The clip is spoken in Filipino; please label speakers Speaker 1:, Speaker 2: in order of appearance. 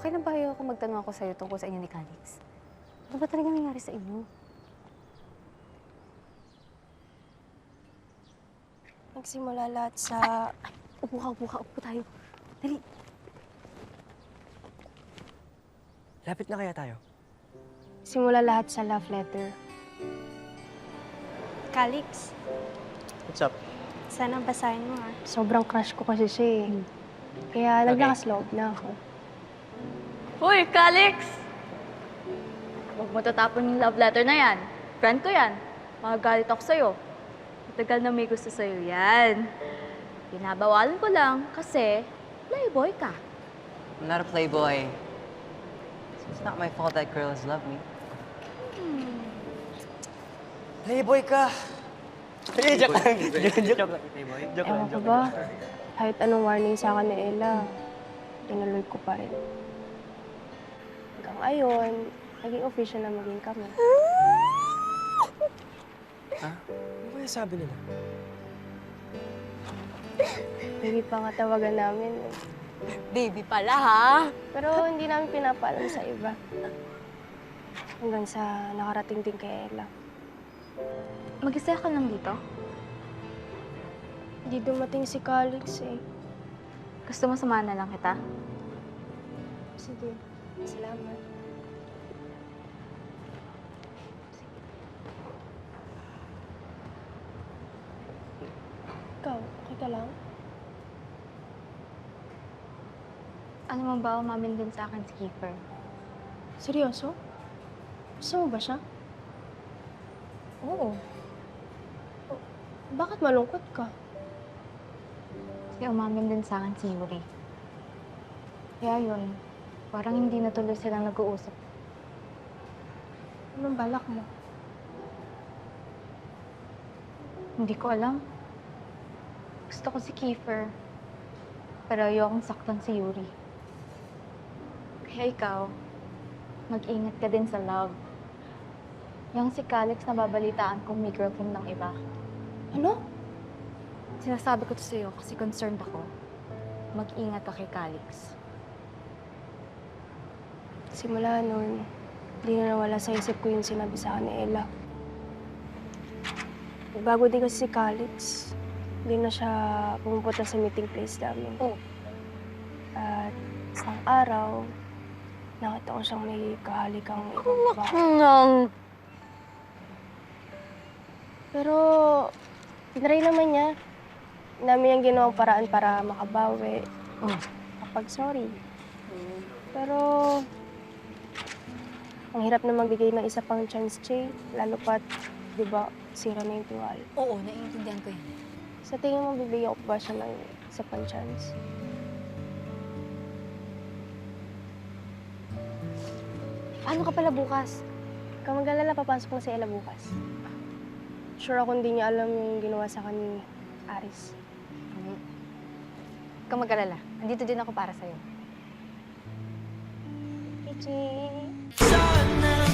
Speaker 1: Okay lang ba ako magtanong ako sa'yo tungkol sa inyo ni Calix? Ano ba talaga nangyari sa inyo?
Speaker 2: Nagsimula lahat sa...
Speaker 1: Upo tayo. Dali.
Speaker 3: Lapit na kaya tayo?
Speaker 2: Simula lahat sa love letter. Calix,
Speaker 3: What's up?
Speaker 2: sana basahin mo ha. Sobrang crush ko kasi siya eh. Kaya
Speaker 3: Okay.
Speaker 2: naglakas-loob na ako.
Speaker 4: Hoy, Calix! Huwag mo tatapon yung love letter na yan. Friend ko yan. Magagalit ako sa'yo. Matagal na may gusto sa'yo yan. Binabawalan ko lang kasi playboy ka.
Speaker 5: I'm not a playboy. It's not my fault that girls love me.
Speaker 3: Playboy ka! Joke lang. Joke lang. Joke lang.
Speaker 2: Ewan ko ba, kahit anong warning sa akin ni Ella, tinuloy ko pa rin. Hanggang ngayon, naging official na maging kami.
Speaker 3: Ha? Ano kaya sabi nila?
Speaker 2: Hindi pa nga tawagan namin eh.
Speaker 4: Baby pala, ha?
Speaker 2: Pero hindi namin pinapaalam sa iba. Hanggang sa nakarating din kay Ella.
Speaker 4: Mag-isa ka lang dito?
Speaker 2: Hindi dumating si Calix eh.
Speaker 4: Gusto mo samahan na lang kita?
Speaker 2: Sige, salamat. Ikaw, okay ka lang?
Speaker 4: Ano mo ba, umamin din sa akin si Kiefer?
Speaker 2: Seryoso? Gusto mo ba siya?
Speaker 4: Oo.
Speaker 2: Bakit malungkot ka?
Speaker 4: Kasi umamin din sa akin si Yuri. Kaya yun, parang hindi na tuloy silang nag-uusap.
Speaker 2: Anong balak mo?
Speaker 4: Hindi ko alam. Gusto ko si Kiefer. Pero ayokong saktan si Yuri. Kaya ikaw, mag-ingat ka din sa love. Yung si Calix na babalitaan kung may girlfriend ng iba.
Speaker 2: Ano?
Speaker 4: Sinasabi ko to sa'yo kasi concerned ako. Mag-ingat ka kay Calix.
Speaker 2: Simula noon, hindi na nawala sa isip ko yung sinabi sa akin ni Ella. Bago din kasi si Calix, hindi na siya pumupunta sa meeting place namin.
Speaker 4: Oh.
Speaker 2: At isang araw, nakita ko siyang may kahalikang ibang babae.
Speaker 4: Nang...
Speaker 2: Pero, tinry naman niya. Ang dami niyang ginawang paraan para makabawi.
Speaker 4: Oh.
Speaker 2: Kapag sorry. Pero, ang hirap na magbigay ng isa pang chance, Che. Lalo pat, di ba, sira na yung tiwala.
Speaker 1: Oo, naiintindihan ko yan.
Speaker 2: Sa tingin mo, bibigyan ko ba siya ng isa pang chance?
Speaker 4: Paano ka pala bukas?
Speaker 2: Kung mag-alala, papasok na si Ella bukas. Sure ako hindi niya alam yung ginawa sa akin ni Aris.
Speaker 1: Huwag kang mag-alala. Nandito din ako para sa'yo.
Speaker 2: Ichi!
Speaker 6: Sana